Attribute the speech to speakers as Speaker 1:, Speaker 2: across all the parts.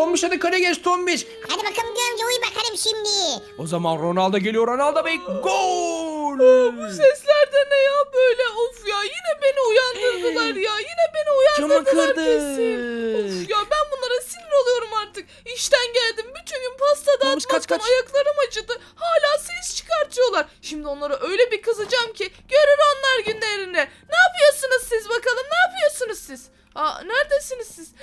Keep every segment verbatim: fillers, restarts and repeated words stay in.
Speaker 1: Tombiş hadi kale geç Tombiş.
Speaker 2: Hadi bakalım Gökçe uyu bakalım şimdi.
Speaker 1: O zaman Ronaldo geliyor. Ronaldo Bey gol.
Speaker 3: Bu sesler de ne ya böyle? Of ya yine beni uyandırdılar ya. Yine beni
Speaker 1: Camı
Speaker 3: uyandırdılar
Speaker 1: kırdı.
Speaker 3: kesin. Of ya ben bunlara sinir oluyorum artık. İşten geldim. Bütün gün pasta
Speaker 1: Tombiş, kaç,
Speaker 3: dağıtmaktan
Speaker 1: kaç.
Speaker 3: ayaklarım acıdı. Hala ses çıkartıyorlar. Şimdi onlara öyle bir kızacağım ki görür onlar günlerini. Ne yapıyorsunuz siz bakalım? Ne yapıyorsunuz siz? Aa, neredesiniz siz?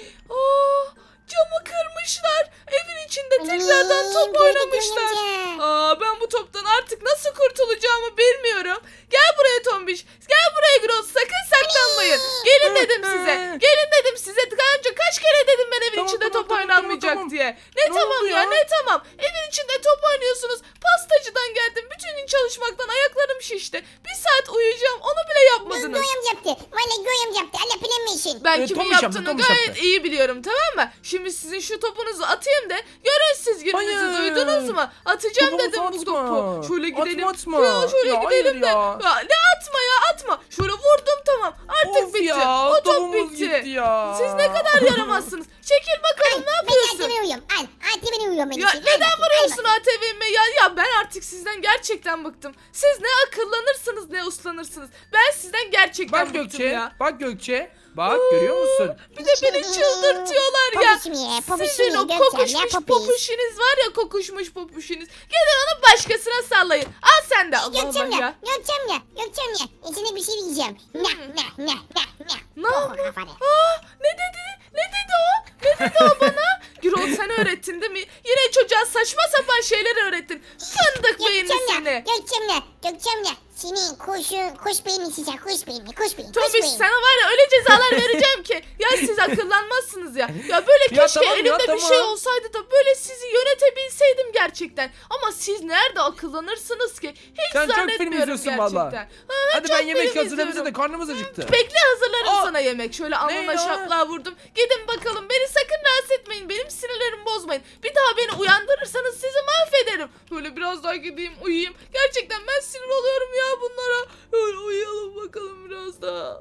Speaker 3: Aa, camı kırmışlar. Evin içinde tekrardan top
Speaker 2: Gördük
Speaker 3: oynamışlar.
Speaker 2: Gökçe.
Speaker 3: Aa, ben bu toptan artık nasıl kurtulacağımı bilmiyorum. Gel buraya Tombiş. Gel buraya Gross. Sakın saklanmayın. Gelin dedim size. Gelin dedim size. Daha önce kaç kere dedim ben evin
Speaker 1: Tamam,
Speaker 3: içinde
Speaker 1: tamam,
Speaker 3: top
Speaker 1: tamam,
Speaker 3: oynanmayacak
Speaker 1: tamam, tamam.
Speaker 3: diye. Ne,
Speaker 1: Ne
Speaker 3: tamam
Speaker 1: oldu
Speaker 3: ya?
Speaker 1: ya?
Speaker 3: ne tamam. Evin içinde top oynuyorsunuz. Pastacıdan geldim. Bütün gün çalışmaktan ayaklarım şişti. Bir saat uyuyacağım. Onu bile yapmadınız.
Speaker 2: Göğüm yaptı. Valla göğüm yaptı. Allah bilemesin.
Speaker 3: Ben
Speaker 1: Ee,
Speaker 3: kimin
Speaker 1: Tomuş yaptı,
Speaker 3: yaptığını
Speaker 1: Tomuş
Speaker 3: gayet
Speaker 1: yaptı.
Speaker 3: iyi biliyorum, tamam mı? Şimdi sizin şu topunuzu atayım da görün siz gününüzü,
Speaker 1: Hayır.
Speaker 3: duydunuz mu? Atacağım
Speaker 1: Topumu
Speaker 3: dedim bu
Speaker 1: atma.
Speaker 3: topu. Şöyle gidelim.
Speaker 1: Atma, atma.
Speaker 3: Ya şöyle
Speaker 1: Ya,
Speaker 3: gidelim de.
Speaker 1: hayır ya.
Speaker 3: Ya, ne atma ya atma. Şöyle vurdum tamam. Artık
Speaker 1: Of
Speaker 3: bitti.
Speaker 1: ya,
Speaker 3: o top
Speaker 1: topumuz
Speaker 3: bitti.
Speaker 1: gitti ya.
Speaker 3: Siz ne kadar yaramazsınız. Çekil bakalım ne
Speaker 2: Ben
Speaker 3: yapıyorsun?
Speaker 2: Atibine uyuyorum. Al. Atibine uyuyorum ben
Speaker 3: Ya
Speaker 2: için. Al
Speaker 3: neden
Speaker 2: bakayım, al
Speaker 3: vuruyorsun
Speaker 2: bakayım.
Speaker 3: A T V'me ya? Ya ben artık sizden gerçekten bıktım. Siz ne akıllanırsınız ne uslanırsınız. Ben sizden gerçekten
Speaker 1: Bak
Speaker 3: bıktım
Speaker 1: Gökçe.
Speaker 3: ya.
Speaker 1: Bak Gökçe. Bak görüyor musun?
Speaker 3: Bir de beni çıldırtıyorlar ya.
Speaker 2: Popişim ye, popişim
Speaker 3: Sizin
Speaker 2: ye
Speaker 3: o
Speaker 2: Gökçem, ya
Speaker 3: kokuşmuş
Speaker 2: popis.
Speaker 3: popuşiniz var ya kokuşmuş popuşiniz. Gidin onu başkasına sallayın. Al sen de Allah
Speaker 2: Gökçem
Speaker 3: Allah
Speaker 2: ya.
Speaker 3: ya.
Speaker 2: Gökçem ya. Gökçem ya. İçine bir şey diyeceğim. Ne ne ne ne ne.
Speaker 3: Ne
Speaker 2: Oh,
Speaker 3: yapıyor?
Speaker 2: kafanı.
Speaker 3: Aa, ne dedi? Ne dedi o? Ne dedi o bana? Gürol sen öğrettin değil mi? Yine çocuğa saçma sapan şeyler öğrettin. Fındık beyinli
Speaker 2: Gökçem ya.
Speaker 3: seni.
Speaker 2: Gökçem ya. Gökçem ya. Senin kuşun, kuş beyni sıcak. Kuş beyni, kuş beyni, kuş
Speaker 3: Tomiş
Speaker 2: beyni.
Speaker 3: sana var ya öyle cezalar vereceğim ki. Ya siz akıllanmazsınız ya. Ya böyle
Speaker 1: Ya
Speaker 3: keşke
Speaker 1: tamam ya,
Speaker 3: elimde bir
Speaker 1: tamam.
Speaker 3: şey olsaydı da böyle sizi yönetebilseydim gerçekten. Ama siz nerede akıllanırsınız ki? Hiç
Speaker 1: Sen çok film
Speaker 3: zannetmiyorum
Speaker 1: izliyorsun
Speaker 3: gerçekten.
Speaker 1: valla.
Speaker 3: Ha,
Speaker 1: Hadi
Speaker 3: çok
Speaker 1: ben yemek
Speaker 3: film
Speaker 1: hazırlayayım bize
Speaker 3: izliyorum.
Speaker 1: de karnımız acıktı.
Speaker 3: Bekle hazırlarım
Speaker 1: Aa,
Speaker 3: sana yemek. Şöyle alnına
Speaker 1: ya?
Speaker 3: şaplığa vurdum. Gidin bakalım beni sakın rahatsız etmeyin. Benim sinirlerimi bozmayın. Bir daha beni uyandırırsanız sizi mahvederim. Böyle biraz daha gideyim uyuyayım. Gerçekten ben sinir oluyorum ya bunlara. Öyle uyuyalım bakalım biraz daha.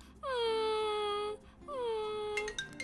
Speaker 3: Hmm, hmm.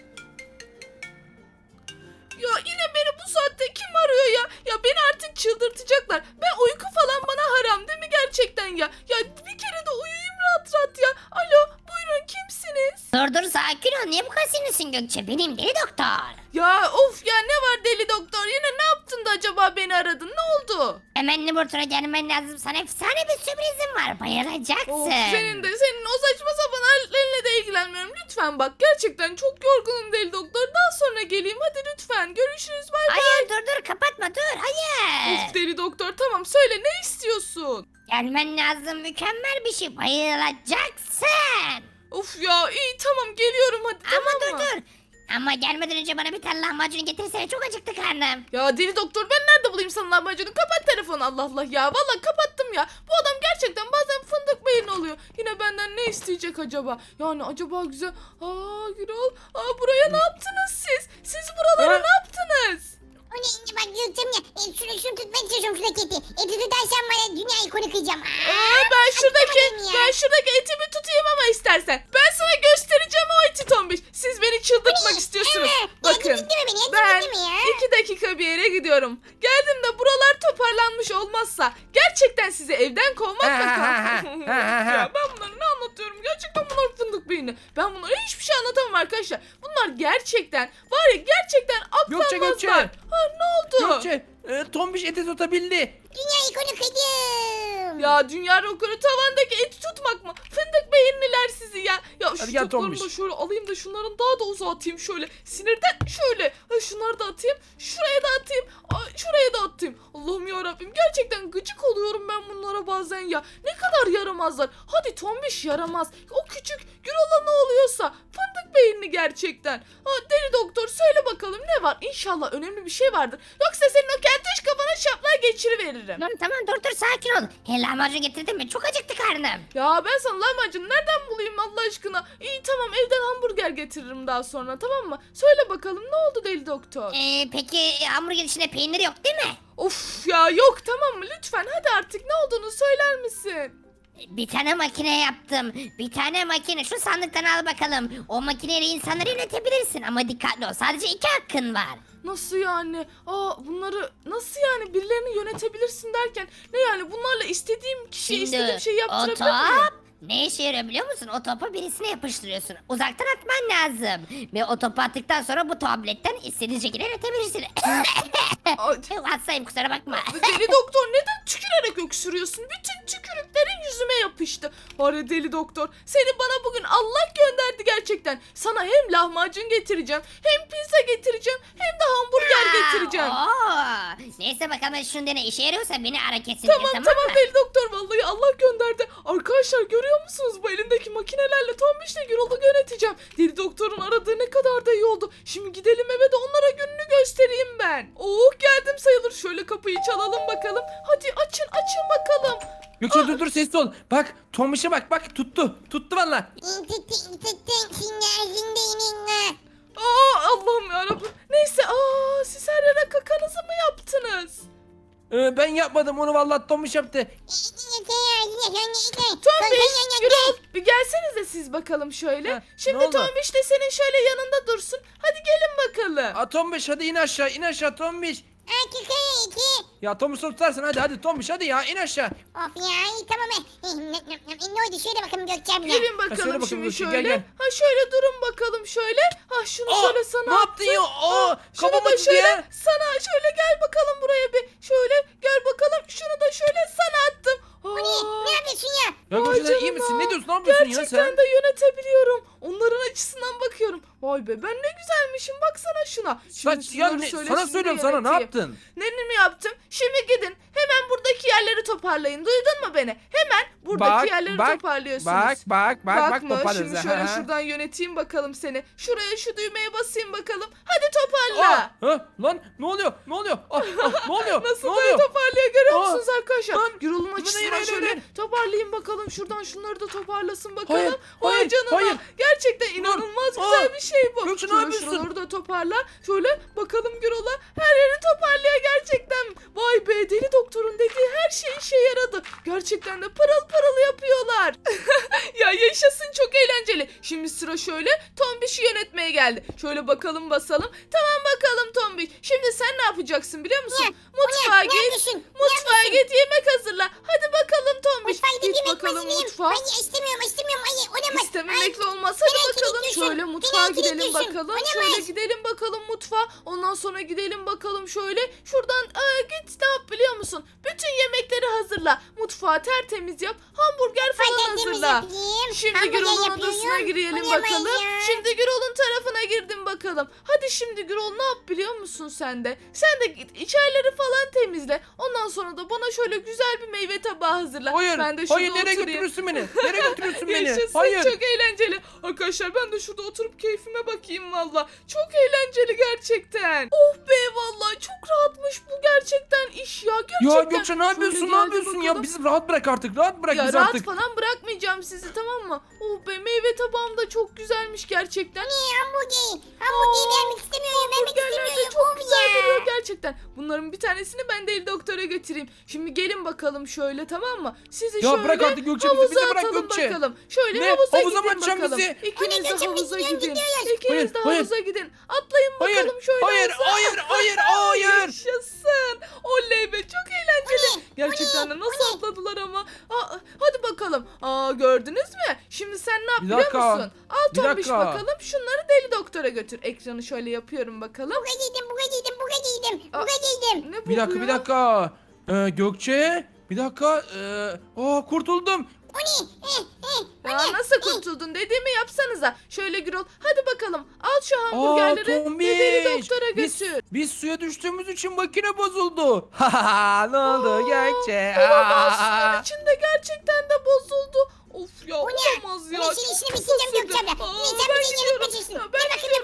Speaker 3: Ya yine beni bu saatte kim arıyor ya? Ya beni artık çıldırtacaklar. Ben uyku falan bana haram değil mi gerçekten ya? Ya bir kere de uyuyayım rahat rahat ya. Alo buyurun kimsiniz?
Speaker 2: Dur dur sakin ol. Niye bu kadar sinirsin Gökçe? Benim deli doktor.
Speaker 3: Ya of ya ne var deli doktor? Yine ne yaptın da acaba beni aradın? Ne oldu?
Speaker 2: Hemen Nurt'a gelmen lazım. Sana efsane bir sürprizim var. Bayılacaksın.
Speaker 3: Of senin de senin o saçma sapan hallerinle de ilgilenmiyorum. Lütfen bak gerçekten çok yorgunum deli doktor. Daha sonra geleyim hadi lütfen. Görüşürüz bay bay.
Speaker 2: Hayır dur dur kapatma dur. Hayır.
Speaker 3: Of deli doktor tamam söyle ne istiyorsun?
Speaker 2: Gelmen lazım. Mükemmel bir şey. Bayılacaksın.
Speaker 3: Of ya iyi tamam geliyorum hadi
Speaker 2: Ama
Speaker 3: tamam
Speaker 2: dur
Speaker 3: mı?
Speaker 2: dur. Ama gelmeden önce bana bir tane lahmacun getirsene. Çok acıktı karnım.
Speaker 3: Ya deli doktor ben nerede bulayım sana lahmacunu? Kapat telefonu Allah Allah ya. Vallahi kapattım ya. Bu adam gerçekten bazen fındık beyin oluyor. Yine benden ne isteyecek acaba? Yani acaba güzel. Aa Gürol. Aa buraya ne yaptınız siz? Siz buralara
Speaker 1: Ha?
Speaker 3: ne yaptınız?
Speaker 2: O ne? Bak Gökçem ya. E, şunu, şunu tutmaya çalışıyorum şuradaki eti. Eti tutarsan bana dünya ikonu kıyacağım.
Speaker 3: Aa, ben şuradaki
Speaker 2: atamadım ya.
Speaker 3: ben şuradaki etimi tutayım ama istersen. Ben sana göstereceğim o eti tombiş. Siz beni çıldırtmak istiyorsunuz.
Speaker 2: Evet.
Speaker 3: Bakın.
Speaker 2: Ya, gitti mi beni? Ya,
Speaker 3: Ben
Speaker 2: gitti mi ya?
Speaker 3: iki dakika bir yere gidiyorum. Geldim de buralar toparlanmış olmazsa gerçekten sizi evden kovmakla kalktım. Ya ben bunları ne anlatıyorum? Gerçekten bunlar fındık beyni. Ben bunlara hiçbir şey anlatamam arkadaşlar. Bunlar gerçekten var ya gerçekten
Speaker 1: Gökçe,
Speaker 3: aklanmazlar.
Speaker 1: Gökçe.
Speaker 3: Ha ne oldu?
Speaker 1: Gökçe e, Tombiş eti tutabildi.
Speaker 2: Dünya ikonu kıydım.
Speaker 3: Ya dünya rekoru tavandaki eti tutmak mı? Fındık beyinliler sizi ya. Ya şu
Speaker 1: Hadi gel
Speaker 3: toplarımı da
Speaker 1: Tombiş.
Speaker 3: şöyle alayım da şunların daha da uzağa atayım şöyle. Sinirden şöyle. Ha, şunları da atayım. Şuraya da atayım. Ay, şuraya da atayım. Allah'ım yarabbim gerçekten gıcık oluyorum ben bunlara bazen ya. Ne kadar yaramazlar. Hadi tombiş yaramaz. O küçük Gürol'a ne oluyorsa fındık beyinli gerçekten. Ha, deli doktor söyle bakalım ne var? İnşallah önemli bir şey vardır. Yoksa senin o keltoş kafana şaplığa geçiriveririm.
Speaker 2: Tamam tamam dur dur sakin ol. He lahmacun getirdin mi? Çok acıktı karnım.
Speaker 3: Ya ben sana lahmacun nereden bulayım Allah aşkına? İyi tamam evden hamburger getiririm daha sonra tamam mı? Söyle bakalım ne oldu deli doktor?
Speaker 2: Ee, peki hamburger içinde peynir yok değil mi?
Speaker 3: Of ya yok tamam mı lütfen hadi artık ne olduğunu söyler misin?
Speaker 4: Bir tane makine yaptım. Bir tane makine. Şu sandıktan al bakalım. O makineyle insanları yönetebilirsin ama dikkatli ol. Sadece iki hakkın var.
Speaker 3: Nasıl yani? Aa bunları nasıl yani birilerini yönetebilirsin derken ne yani bunlarla istediğim kişiye istediğim şeyi
Speaker 4: o
Speaker 3: yaptırabilir miyim?
Speaker 4: top ne işe yarıyor biliyor musun? O topu birisine yapıştırıyorsun. Uzaktan atman lazım. Ve o topu attıktan sonra bu tabletten istediğin şekilde yönetebilirsin.
Speaker 3: Ay,
Speaker 4: Hastayım kusura bakma.
Speaker 3: Deli doktor neden tükürerek öksürüyorsun? Bütün tükürüklerin yüzüme yapıştı. Var ya deli doktor seni bana bugün Allah gönderdi gerçekten. Sana hem lahmacun getireceğim hem pizza getireceğim hem de hamburger getireceğim.
Speaker 4: Oo. Neyse bakalım şunu dene işe yarıyorsa beni ara kesinlikle
Speaker 3: Tamam
Speaker 4: tamam,
Speaker 3: tamam
Speaker 4: mı?
Speaker 3: deli doktor vallahi Allah gönderdi. Arkadaşlar görüyor musunuz bu elindeki makinelerle Tombiş'le Gürol'u yöneteceğim. Deli doktorun aradığı ne kadar da iyi oldu. Şimdi gidelim eve de onlara gününü göstereyim ben. Oh geldim sayılır. Şöyle kapıyı çalalım bakalım. Hadi açın açın bakalım.
Speaker 1: Gökçe dur dur sessiz ol. Bak Tomiş'e bak bak tuttu. Tuttu valla.
Speaker 3: Aa Allah'ım yarabbim. Neyse aa siz her yere kakanızı mı yaptınız?
Speaker 1: Ee, ben yapmadım onu valla Tomiş yaptı.
Speaker 3: Tombiş, Gürol bir gelsenize siz bakalım şöyle.
Speaker 1: Heh, ne
Speaker 3: Şimdi
Speaker 1: oldu?
Speaker 3: Tombiş de senin şöyle yanında dursun. Hadi gelin bakalım.
Speaker 1: Aa, Tomiş hadi in aşağı in aşağı Tomiş. Ya Tomiş tutarsın hadi hadi Tomiş hadi ya in aşağı.
Speaker 2: Of ya iyi tamam. Eh, Ne ne oldu şöyle bakalım Gökçem'le.
Speaker 3: Gelin
Speaker 1: söyle
Speaker 3: bakalım
Speaker 1: bakalım
Speaker 3: şimdi
Speaker 1: Gülçin,
Speaker 3: şöyle.
Speaker 1: gel, gel.
Speaker 3: Ha şöyle durun bakalım şöyle. Ha şunu
Speaker 1: Aa,
Speaker 3: şöyle sana
Speaker 1: ne yaptın ya? Aa,
Speaker 3: Ha, şunu
Speaker 1: kafam
Speaker 3: da
Speaker 1: acıdı
Speaker 3: şöyle
Speaker 1: ya.
Speaker 3: sana şöyle gel bakalım buraya bir. Şöyle gel bakalım şunu da şöyle sana attım. Aa,
Speaker 2: Ne yapıyorsun ya?
Speaker 1: Ya
Speaker 3: vay
Speaker 1: Gökçe sen iyi
Speaker 3: canına.
Speaker 1: misin? Ne diyorsun? Ne yapıyorsun ya
Speaker 3: Gerçekten
Speaker 1: sen?
Speaker 3: de yönetebiliyorum. Onların açısından bakıyorum. Vay be ben ne güzelmişim baksana şuna. Şimdi
Speaker 1: Saç, ya
Speaker 3: şunları
Speaker 1: ne-
Speaker 3: şöyle
Speaker 1: sana
Speaker 3: şimdi
Speaker 1: söylüyorum sana ne
Speaker 3: yöneteyim.
Speaker 1: yaptın?
Speaker 3: Ne mi yaptım? Şimdi gidin hemen buradaki yerleri toparlayın. Duydun mu beni? Hemen buradaki yerleri toparlıyorsunuz.
Speaker 1: Bak bak bak bak
Speaker 3: Bak mı?
Speaker 1: toparlarız.
Speaker 3: Şimdi
Speaker 1: ha,
Speaker 3: şöyle
Speaker 1: ha.
Speaker 3: şuradan yöneteyim bakalım seni. Şuraya şu düğmeye basayım bakalım. Hadi toparla.
Speaker 1: Aa, ha, lan ne oluyor? Ne oluyor? Ah, ah, ne oluyor?
Speaker 3: Nasıl
Speaker 1: ne
Speaker 3: da
Speaker 1: oluyor?
Speaker 3: toparlıyor görüyor
Speaker 1: Aa,
Speaker 3: musunuz arkadaşlar?
Speaker 1: lan,
Speaker 3: Gürol'un
Speaker 1: bu ne
Speaker 3: açısından
Speaker 1: ya,
Speaker 3: şöyle
Speaker 1: şöyle?
Speaker 3: toparlayayım bakalım. Şuradan şunları da toparlasın bakalım.
Speaker 1: Hayır,
Speaker 3: Vay
Speaker 1: hayır,
Speaker 3: canına.
Speaker 1: hayır.
Speaker 3: Gerçekten inanılmaz
Speaker 1: Aa,
Speaker 3: güzel bir şey bu.
Speaker 1: Gökçe, ne
Speaker 3: Şöyle
Speaker 1: yapıyorsun?
Speaker 3: şuraları da toparla. Şöyle bakalım Gürol'a. Her yeri toparlıyor gerçekten. Vay be deli doktorun dediği her şey işe yaradı. Gerçekten de pırıl pırıl yapıyorlar. Ya yaşasın çok eğlenceli. Şimdi sıra şöyle Tombiş'i yönetmeye geldi. Şöyle bakalım basalım. Tamam bakalım Tombiş. Şimdi sen ne yapacaksın biliyor musun?
Speaker 2: Ne?
Speaker 3: Mutfağa
Speaker 2: Ne
Speaker 3: git.
Speaker 2: yapıyorsun?
Speaker 3: Mutfağa git yemek hazırla. Hadi bakalım Tombiş.
Speaker 2: Mutfağa gidip
Speaker 3: Git
Speaker 2: yemek
Speaker 3: bakalım
Speaker 2: hazırlayayım.
Speaker 3: mutfağa.
Speaker 2: Ay istemiyorum istemiyorum. Ay olamaz.
Speaker 3: İstememekle
Speaker 2: Ay,
Speaker 3: olmaz. Hadi
Speaker 2: beni
Speaker 3: bakalım
Speaker 2: kilitliyorsun.
Speaker 3: şöyle
Speaker 2: Beni
Speaker 3: mutfağa gidelim
Speaker 2: kilitliyorsun.
Speaker 3: bakalım.
Speaker 2: Olamaz.
Speaker 3: Şöyle gidelim bakalım mutfağa. Ondan sonra gidelim bakalım şöyle. Şuradan aa, git ne yap biliyor musun? Bütün yemekleri hazırla. Mutfağı tertemiz yap. Hamburger falan
Speaker 2: Mutfağı tertemiz
Speaker 3: hazırla.
Speaker 2: yapayım.
Speaker 3: Şimdi
Speaker 2: Hamburger
Speaker 3: Gürol'un
Speaker 2: yapıyorum.
Speaker 3: odasına girelim
Speaker 2: Olamaz
Speaker 3: bakalım.
Speaker 2: ya.
Speaker 3: Şimdi Gürol'un tarafına girdim bakalım. Hadi şimdi Gürol ne yap biliyor musun sen de? Sen de git içerileri falan temizle. Ondan sonra da bana şöyle güzel bir meyve tabağı hazırla.
Speaker 1: Hayır.
Speaker 3: Ben de şurada
Speaker 1: Hayır nereye
Speaker 3: oturayım.
Speaker 1: götürürsün beni? Nereye götürürsün beni?
Speaker 3: Yaşasın
Speaker 1: Hayır.
Speaker 3: çok eğlenceli. Arkadaşlar ben de şurada oturup keyfime bakayım valla. Çok eğlenceli gerçekten. Oh be valla çok rahatmış bu gerçekten iş ya. Gerçekten.
Speaker 1: Ya Gökçe ne yapıyorsun?
Speaker 3: Şöyle
Speaker 1: Ne
Speaker 3: geldi
Speaker 1: yapıyorsun
Speaker 3: bakalım.
Speaker 1: ya? Bizi rahat bırak artık. Rahat bırak
Speaker 3: Ya
Speaker 1: bizi
Speaker 3: rahat
Speaker 1: artık.
Speaker 3: falan bırakmayacağım sizi tamam mı? Oh be meyve tabağım da çok güzelmiş gerçekten.
Speaker 2: Ne hamburger? Hamburger vermek istemiyorum. Vermek
Speaker 3: Hamburgerler de
Speaker 2: istemiyorum.
Speaker 3: çok
Speaker 2: Of
Speaker 3: güzel
Speaker 2: ya.
Speaker 3: duruyor gerçekten. Bunların bir tanesini ben deli doktora götüreyim. Şimdi gelin bakalım şöyle tamam mı? Sizi
Speaker 1: Ya
Speaker 3: şöyle
Speaker 1: bırak artık Gökçe, bizi-
Speaker 3: havuza
Speaker 1: bizi bırak
Speaker 3: atalım
Speaker 1: Gökçe.
Speaker 3: bakalım. Şöyle
Speaker 1: Ne?
Speaker 3: havuza,
Speaker 1: Havuza mı
Speaker 3: gidin
Speaker 1: atacaksın
Speaker 3: bakalım.
Speaker 1: bizi?
Speaker 3: İkiniz
Speaker 2: Anne
Speaker 3: de
Speaker 2: Gökçe,
Speaker 3: havuza
Speaker 2: biz
Speaker 3: gidin.
Speaker 2: gidiyoruz.
Speaker 3: İkiniz
Speaker 1: Hayır,
Speaker 3: de
Speaker 1: hayır.
Speaker 3: havuza gidin. Atlayın
Speaker 1: Hayır.
Speaker 3: bakalım şöyle
Speaker 1: Hayır.
Speaker 3: havuza.
Speaker 1: Hayır. Hayır. Hayır.
Speaker 3: Yaşasın. Oley be çok eğlenceli.
Speaker 2: O ne?
Speaker 3: Gerçekten de
Speaker 2: O ne?
Speaker 3: nasıl
Speaker 2: O ne?
Speaker 3: atladılar ama. Aa, hadi bakalım. Aa, gördünüz mü? Şimdi sen ne yap
Speaker 1: Bir
Speaker 3: biliyor
Speaker 1: dakika.
Speaker 3: musun? Al
Speaker 1: Bir
Speaker 3: Tombiş
Speaker 1: dakika.
Speaker 3: bakalım. Şunları deli doktora götür. Ekranı şöyle yapıyorum bakalım.
Speaker 2: Buga giydim, buga giydim, buga giydim,
Speaker 3: Aa.
Speaker 2: buga giydim.
Speaker 3: Ne bu
Speaker 1: Bir dakika
Speaker 3: ya?
Speaker 1: bir dakika. Ee, Gökçe. Bir dakika. Ee, aa kurtuldum.
Speaker 2: O ne? Eh, eh,
Speaker 3: Ya
Speaker 2: o ne?
Speaker 3: nasıl
Speaker 2: Eh.
Speaker 3: kurtuldun dediğimi yapsanıza. Şöyle Gürol hadi bakalım al şu
Speaker 1: Aa
Speaker 3: hamburgerleri ve
Speaker 1: Tombiş.
Speaker 3: deli doktora
Speaker 1: Biz,
Speaker 3: götür.
Speaker 1: biz suya düştüğümüz için makine bozuldu. Ha ne oldu Gökçe?
Speaker 3: Olamaz
Speaker 1: Aa.
Speaker 3: suyun içinde gerçekten de bozuldu. Of ya
Speaker 2: O ne?
Speaker 3: olamaz ya.
Speaker 2: Bu ne? Şimdi
Speaker 3: çok
Speaker 2: işini
Speaker 3: kısa
Speaker 2: bitireceğim
Speaker 3: sürdü.
Speaker 2: Gökçe abla.
Speaker 3: Aa,
Speaker 2: Yine sen
Speaker 3: ben
Speaker 2: bize
Speaker 3: gidiyorum.
Speaker 2: yönetmeyeceksin.
Speaker 3: Ya
Speaker 2: Gel
Speaker 3: ben
Speaker 2: bakayım
Speaker 3: gidiyorum,
Speaker 2: buraya.
Speaker 3: gidiyorum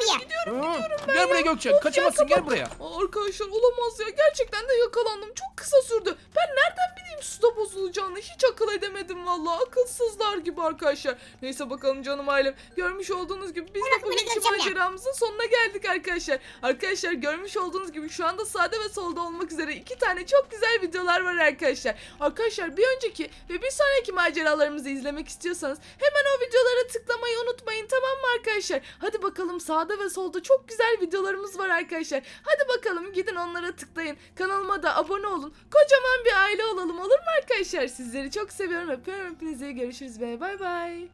Speaker 3: gidiyorum
Speaker 1: Hı,
Speaker 3: gidiyorum ben
Speaker 1: Gel
Speaker 3: ya.
Speaker 1: buraya Gökçe.
Speaker 3: Of ya,
Speaker 1: Kaçamazsın
Speaker 3: kapat.
Speaker 1: gel buraya.
Speaker 3: Aa, arkadaşlar olamaz ya. Gerçekten de yakalandım. Çok kısa sürdü. Ben nereden bileyim suda bozulacağını? Hiç akıl edemedim vallahi. Akılsızlar gibi arkadaşlar. Neyse bakalım canım ailem. Görmüş olduğunuz gibi biz de
Speaker 2: Bırak beni
Speaker 3: bugünkü
Speaker 2: Gökçem ya.
Speaker 3: maceramızın sonuna geldik arkadaşlar. Arkadaşlar görmüş olduğunuz gibi şu anda sağda ve solda olmak üzere iki tane çok güzel videolar var arkadaşlar. Arkadaşlar bir önceki ve bir sonraki maceralarımızı izlemek istiyorsanız hemen o videolara tıklamayı unutmayın, tamam mı arkadaşlar? Hadi bakalım sağda ve solda çok güzel videolarımız var arkadaşlar. Hadi bakalım gidin onlara tıklayın. Kanalıma da abone olun. Kocaman bir aile olalım, olur mu arkadaşlar? Sizleri çok seviyorum. Öpüyorum hepinizi. Görüşürüz ve bay bay.